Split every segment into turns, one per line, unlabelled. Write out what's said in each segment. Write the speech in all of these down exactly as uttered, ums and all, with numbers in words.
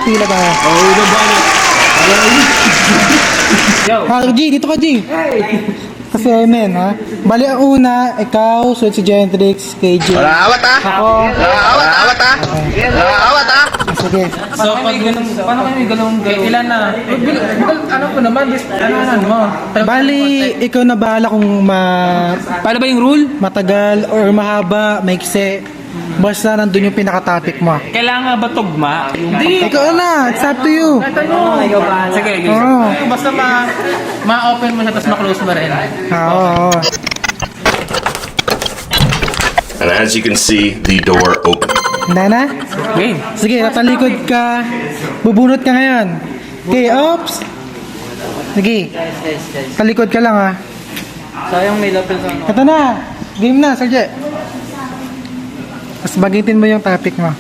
pila tayo.
Oh, ito ba? Yo.
Ha, G, dito ka, G.
Hey.
Kasi amen, ha? Bali, ang una, ikaw, sunod si Gentrix, K J.
Wala awat ah!
Ako.
Wala awat, awat ah! Wala awat ah!
Sige.
So, pag ganun, paano kayo may ganun gawin? Ilan na? Bil, bil, ano ko naman, bis, ano ano mo?
Bali, ikaw na bahala kung ma
Paano ba yung rule?
matagal or mahaba, maikse. Basta nandun yung pinaka-topic mo.
Kailangan ba tugma? Hindi.
Ikaw na, it's up to you.
Kahit ano. Sige, sige.
Oo.
Basta ma, ma-open mo siya, tapos ma-close mo rin.
Ah, oo, oo.
And as you can see, the door opened.
Handa na?
Game.
Sige, tatalikod ka. Bubunot ka ngayon. Okay, ops. Sige. Talikod ka lang, ha.
Sayang may lapel sa ano.
Ito na. Game na, Serge. Mas bagitin mo yung topic mo.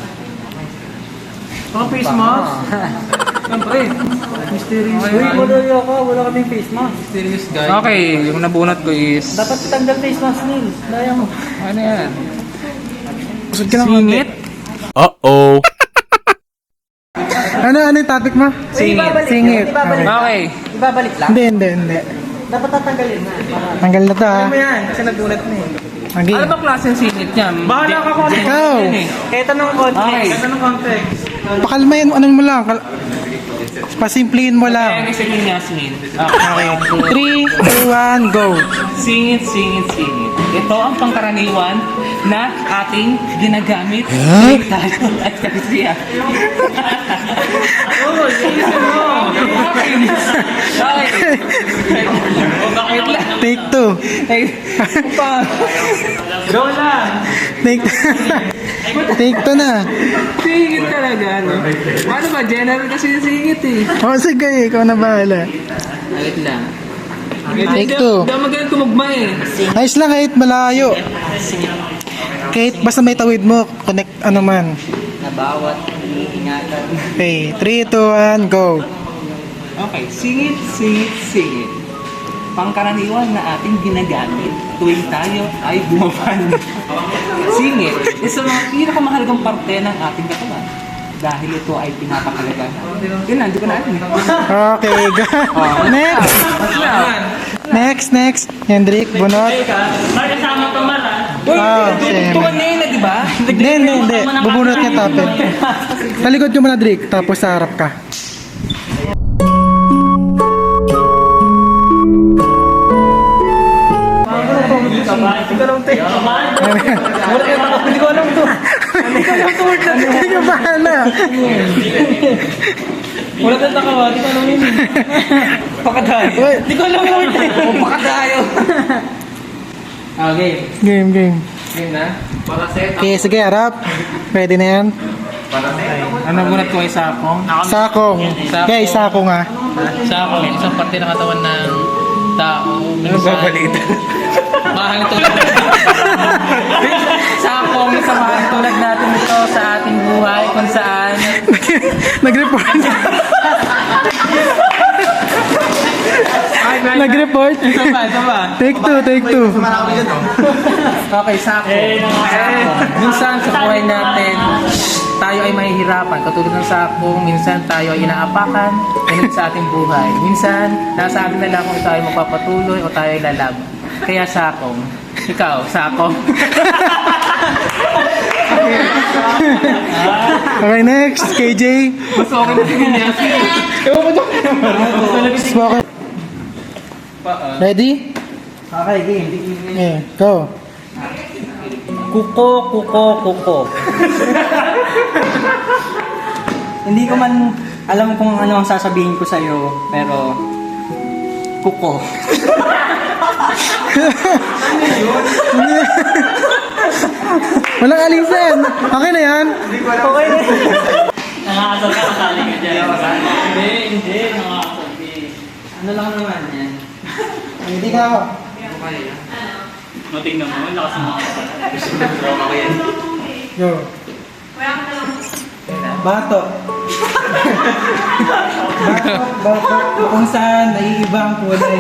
Mga face mask. Siyempre. Mysterious guy.
Uy, madali ako. Wala kaming face mask.
Mysterious guy. Okay, yung nabunot ko is...
Dapat tanggal face mask nil. Daya mo.
Ano yan?
Kusod ka lang.
Singit?
Uh-oh.
Ano, ano yung topic mo?
Singit.
Singit.
Ibabalik.
Okay.
Ibabalik lang.
Hindi, hindi, hindi.
Dapat tatanggalin na. Para...
Tanggal na to, ha.
Ano yan? Kasi nabunot na eh.
Okay.
Ano ba klaseng singit yan? Bahala ka kung ano.
Ikaw.
Kahit anong context.
Okay.
Kahit anong context.
Pakalmayan mo, anong mo lang. Kal- Pasimplihin mo
Kaya
lang.
kasi yung Yasmin.
Okay. three, two, one, go.
Singit, singit, singit. Ito ang pangkaraniwan na ating ginagamit.
Huh?
Tayo at kasiya. Oo, singit mo. Okay. O bakit lang?
Take two.
Ay, pa. Go lang.
Take Take two na.
Singit talaga, no? Ano ba? General kasi yung singit eh.
O, sige, ikaw na bahala.
Wait lang.
Take two.
Hindi ako magaling tumugma eh.
Nice lang kahit malayo. Kahit basta may tawid mo, connect ano man.
Na bawat iniingatan.
Okay, three, two, one, go.
Okay, singit, singit, singit. Pangkaraniwan na ating ginagamit tuwing tayo ay bumaban. Singit, isa mga pinakamahalagang parte ng ating katawan. Dahil ito ay pinapakalaga. Yun lang, hindi ko na alam.
Okay, go. Next. Next, next. Hendrik, bunot.
May kasama pa man ah.
Ah, same.
Tuwan na yun na, di ba?
Hindi, hindi, hindi. Bubunot niya topic. Talikod ka muna, Drake. Tapos sa harap ka.
Hindi ko alam to. Hindi ko alam to.
Hindi ka bahala.
Wala kang takawa. Hindi ko alam yun. Pakadayo.
Uy,
Hindi ko alam yun. O, pakadayo. Okay.
game, game.
Yun na. Para set.
Okay, sige, harap. Pwede na yan.
Ano bunat ko ay sakong?
Sakong. Okay, sakong ah.
Sakong, isang parte ng katawan ng tao. Ano babalita? Mahal tulad. Sakong, isang mahal tulad natin ito sa ating buhay kung saan.
Nag-report. Nag-report.
Ito ba? Ito ba?
Take two, take two.
Okay, sakong. Sakong. Minsan sa buhay natin, tayo ay mahihirapan. Katulad ng sakong, minsan tayo ay inaapakan ganun sa ating buhay. Minsan, nasa atin na lang kung tayo magpapatuloy o tayo ay lalaban. Kaya sakong. Ikaw, sakong.
Okay, next. K J.
Mas okay na si Vinyas. Ewan ko dyan.
Spoken. Ready?
Okay, game.
Okay, go.
Kuko, kuko, kuko. Hindi ko man alam kung ano ang sasabihin ko sa'yo, pero kuko.
Walang alisan. Okay na yan.
Okay na. Nakakasal ka, kasali ka dyan. Hindi, hindi. Nakakasal ka. Ano lang naman yan?
Hindi ka ako.
No, tingnan mo. Lakas mo.
Go. Bato. Bato, bato. Kung saan naiiba ang kulay.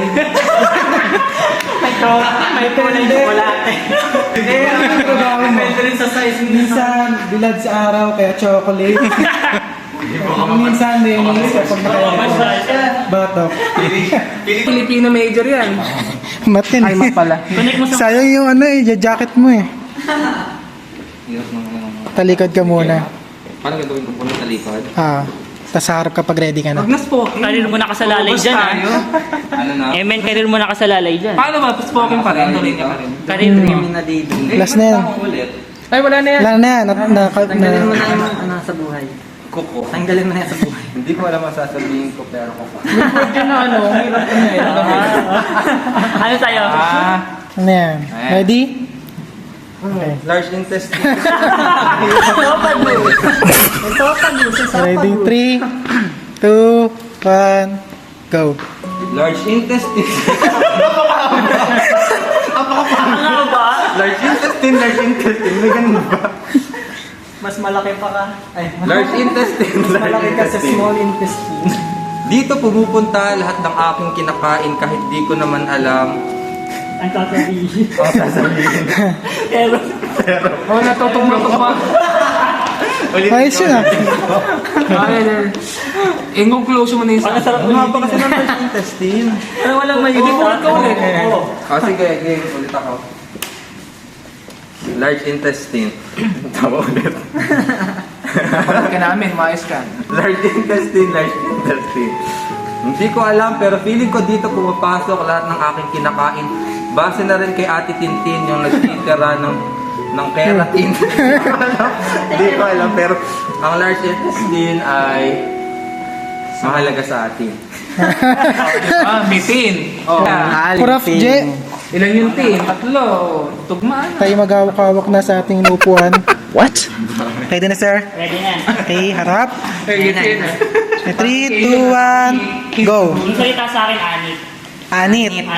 Ito, may kulay chocolate.
Eh, ano ang trabaho mo?
Depende rin sa size mo.
Minsan, bilad sa araw, kaya chocolate.
Minsan din, kapag nakaya batok. Filipino major yan.
Matin.
Ay, mat pala.
Connect mo sa...
Sayang yung ano eh, jacket mo eh. Talikod ka muna.
Paano gagawin ko po sa likod?
Ah, tas sa harap kapag ready ka na.
Huwag na spoken.
Karir mo nakasalalay
Ubus
dyan, ah.
tayo.
Ano na?
Eh, men, karir mo nakasalalay dyan.
Paano ba? Spoken pa rin. Tuloy niya pa rin.
Karir mo.
Last na yan.
Ulit.
Ay, wala na yan.
Wala na yan. Na, na, na,
ano sa buhay.
Kuko.
Tanggalin mo na yan sa buhay.
Hindi ko alam ang sasabihin ko pero kuko.
Word yun na ano. Ang hirap ko na eh.
Ano sa'yo?
Ah.
ano yan. Ready?
Large intestine.
Ready? three, two, one, go.
Large intestine.
Ano ba?
Large intestine, large intestine. May ganun ba?
Mas malaki pa ka. Ay,
Large intestine, large
malaki ka sa
intestine.
small intestine.
Dito pumupunta lahat ng aking kinakain kahit di ko naman alam.
Ang sasabihin.
Ang sasabihin.
Pero,
Oh, natutumok ko pa.
Ayos yun ah.
Ay, ay. Ingong close mo na yung
ang
sa...
sarap
Ang haba kasi ng large intestine.
Ano walang may
Hindi ko ulit ka ulit.
Oo.
Ah, sige, game. Ulit ako. Large intestine. Tama ulit.
Palat ka namin, maayos ka.
Large intestine, large intestine. Hindi ko alam pero feeling ko dito pumapasok lahat ng aking kinakain. Base na rin kay Ate Tintin yung nagtitira ng ng keratin. Hindi ko alam pero ang large intestine ay mahalaga sa atin.
Ah, mitin. Oh.
Prof J,
Ilan yung tin? Tatlo. Tugmaan.
tayo maghawak-hawak na sa ating inupuan. What? Ready na sir?
Ready na.
Okay, harap.
Ay, gitin.
three, two, one, go.
Yung salita sa akin, anit.
Anit.
Anit.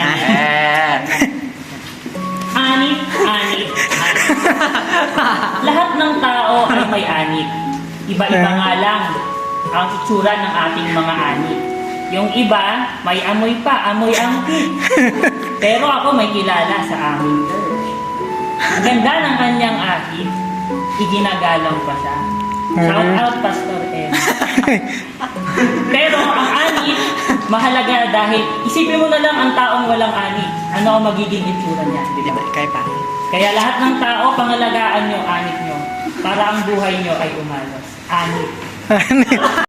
Anit, anit, anit. Lahat ng tao ay may anit. Iba-iba nga lang ang itsura ng ating mga anit. Yung iba, may amoy pa, amoy angkit. Pero ako may kilala sa aming church. Ang ganda ng kanyang ahit, iginagalang pa siya. Shout out, Pastor M. Pero ang anit, mahalaga dahil isipin mo na lang ang taong walang anit. Ano ang magiging itsura niya? Di ba?
Kaya pa.
Kaya lahat ng tao, pangalagaan yung anit nyo para ang buhay nyo ay umalos. Anit.